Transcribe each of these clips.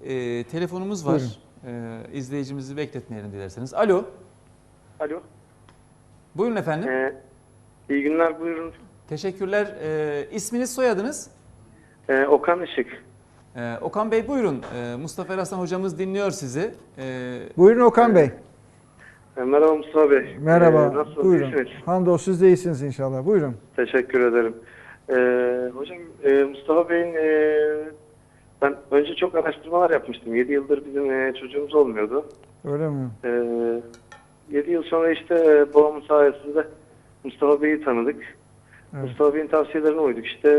telefonumuz var. İzleyicimizi bekletmeyelim dilerseniz. Alo. Alo. Buyurun efendim. İyi günler, buyurun. Teşekkürler. İsminiz, soyadınız? Okan Işık. Okan Bey buyurun. Mustafa Eraslan hocamız dinliyor sizi. Buyurun Okan Bey. Merhaba Mustafa Bey. Merhaba. Nasılsınız? Buyurun. İyisiniz? Hamdolsun siz de iyisiniz inşallah. Buyurun. Teşekkür ederim. Hocam Mustafa Bey'in ben önce çok araştırmalar yapmıştım. 7 yıldır bizim çocuğumuz olmuyordu. Öyle mi? 7 yıl sonra işte babamın sayesinde Mustafa Bey'i tanıdık. Evet. Mustafa Bey'in tavsiyelerine uyduk. İşte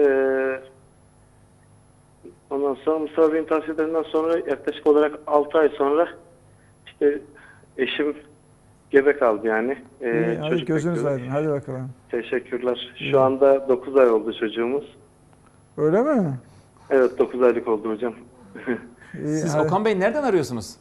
ondan sonra Mustafa Bey'in tavsiyelerinden sonra yaklaşık olarak 6 ay sonra işte eşim gebe kaldı yani. İyi, hadi Çocuk gözünüz bekliyoruz. aydın. Hadi bakalım. Teşekkürler. Şu anda 9 ay oldu çocuğumuz. Öyle mi? Evet 9 aylık oldu hocam. İyi, Siz hadi. Okan Bey nereden arıyorsunuz?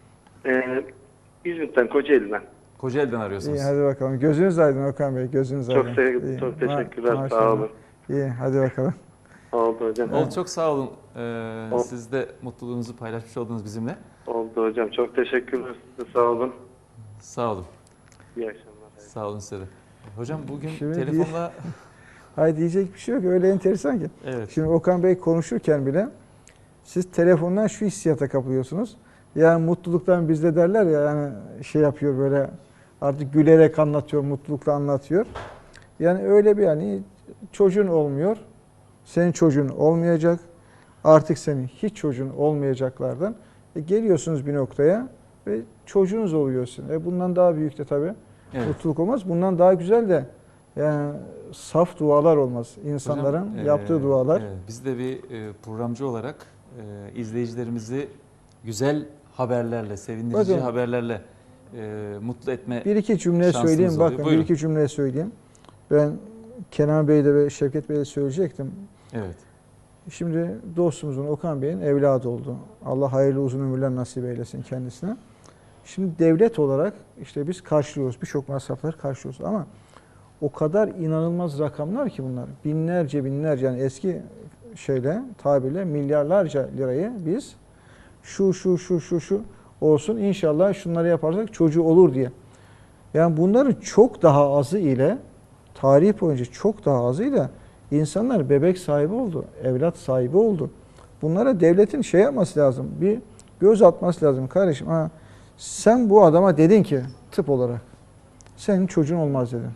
İzmit'ten, Kocaeli'den. Kocaeli'den arıyorsunuz. İyi, hadi bakalım. Gözünüz aydın Okan Bey. Gözünüz Çok aydın. İyi. çok teşekkürler. Maşallah. Sağ olun. İyi, hadi bakalım. Oldu hocam. Oldu, çok sağ olun. Oldu. Siz de mutluluğunuzu paylaşmış oldunuz bizimle. Oldu hocam. Çok teşekkürler. Size sağ olun. Sağ olun. İyi akşamlar. Sağ olun size de. Hocam bugün Şimdi telefonla... Hayır, diyecek bir şey yok. Öyle enteresan ki. Evet. Şimdi Okan Bey konuşurken bile siz telefondan şu hissiyata kapılıyorsunuz. Yani mutluluktan bizde derler ya, yani şey yapıyor böyle, artık gülerek anlatıyor, mutlulukla anlatıyor. Yani öyle bir, yani çocuğun olmuyor. Senin çocuğun olmayacak. Artık senin hiç çocuğun olmayacaklardan. Geliyorsunuz bir noktaya ve çocuğunuz oluyorsun. Bundan daha büyük de tabii Evet. mutluluk olmaz. Bundan daha güzel de yani saf dualar olmaz. İnsanların Hocam, yaptığı dualar. evet, biz de bir programcı olarak izleyicilerimizi güzel haberlerle, sevindirici Bakın, haberlerle mutlu etme bir iki cümle şansımız söyleyeyim. oluyor. Bakın, Buyurun. bir iki cümle söyleyeyim. Ben Kenan Bey'de ve Şevket Bey'de söyleyecektim. Evet. Şimdi dostumuzun, Okan Bey'in evladı oldu. Allah hayırlı uzun ömürler nasip eylesin kendisine. Şimdi devlet olarak işte biz karşılıyoruz. Birçok masrafları karşılıyoruz ama o kadar inanılmaz rakamlar ki bunlar. Binlerce yani eski tabirle milyarlarca lirayı biz şu olsun inşallah şunları yaparsak çocuğu olur diye. Yani bunların çok daha azı ile, tarih boyunca çok daha azı ile insanlar bebek sahibi oldu, evlat sahibi oldu. Bunlara devletin şey yapması lazım, bir göz atması lazım. Kardeşim, sen bu adama dedin ki tıp olarak senin çocuğun olmaz dedin.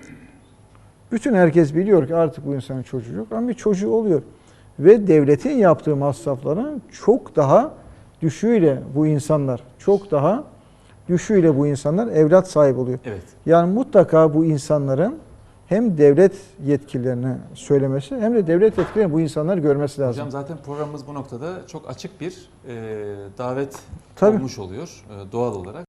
Bütün herkes biliyor ki artık bu insanın çocuğu yok ama bir çocuğu oluyor. Ve devletin yaptığı masrafların çok daha düşüğüyle bu insanlar evlat sahibi oluyor. Evet. Yani mutlaka bu insanların hem devlet yetkililerine söylemesi hem de devlet yetkililerinin bu insanları görmesi lazım. Hocam zaten programımız bu noktada çok açık bir davet Tabii. olmuş oluyor doğal olarak.